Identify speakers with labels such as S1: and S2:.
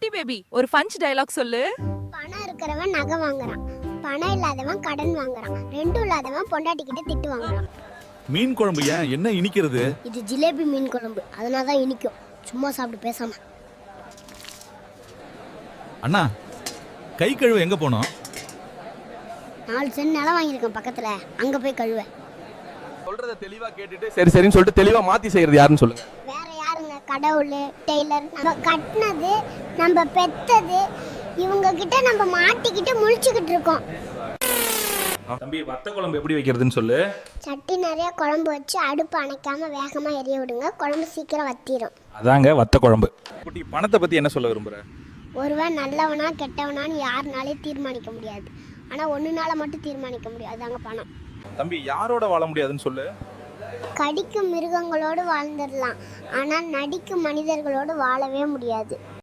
S1: குட்டி பேபி ஒரு punch dialogue சொல்லு.
S2: பணம் இருக்கிறவன் நகை வாங்குறான், பணம் இல்லாதவன் கடன் வாங்குறான், ரெண்டும் இல்லாதவன் பொண்டாட்டி கிட்ட திட்டு வாங்குறான்.
S3: மீன் குழம்பு ஏன் என்ன இனிக்கிறது?
S2: இது ஜிலேபி மீன் குழம்பு, அதனால தான் இனிக்கும். சும்மா சாப்பிட்டு பேசாம.
S3: அண்ணா, கை கழுவ எங்க போனோம்?
S2: 4 சென்ட் நிலம் வாங்கியிருக்கேன் பக்கத்துல, அங்க போய் கழுவேன்.
S4: சொல்றத தெளிவா கேட்டுட்டு சரி சரின்னு சொல்லிட்டு தெளிவா மாத்தி செய்யறது யாருன்னு சொல்லுங்க.
S2: வேற யாருங்க? கடவுள், டெய்லர், நம்ம கட்டினது, நம்ம பெத்தது, இவங்க கிட்ட நம்ம மாட்டிக்கிட்டு முழிச்சுக்கிட்டு இருக்கோம்.
S3: தம்பி, வத்த குழம்பு எப்படி வைக்கிறதுன்னு சொல்லு.
S2: சட்டி நிறைய குழம்பு வச்சு அடுப்பு அணைக்காம வேகமா எரிய விடுங்க, குழம்பு சீக்கிரம் வத்திரும்.
S3: அதாங்க வத்த குழம்பு. குட்டி, பணத்தை பத்தி என்ன சொல்ல விரும்புற?
S2: ஒருவன் நல்லவனா கெட்டவனான்னு யாருனாலையும் தீர்மானிக்க முடியாது, ஆனா ஒண்ணுனால மட்டும் தீர்மானிக்க முடியும், அதாங்க பணம்.
S3: தம்பி, யாரோட வாழ முடியாதுன்னு சொல்லு.
S2: கடிக்கும் மிருகங்களோடு வாழ்ந்துடலாம், ஆனால் நடிக்கும் மனிதர்களோடு வாழவே முடியாது.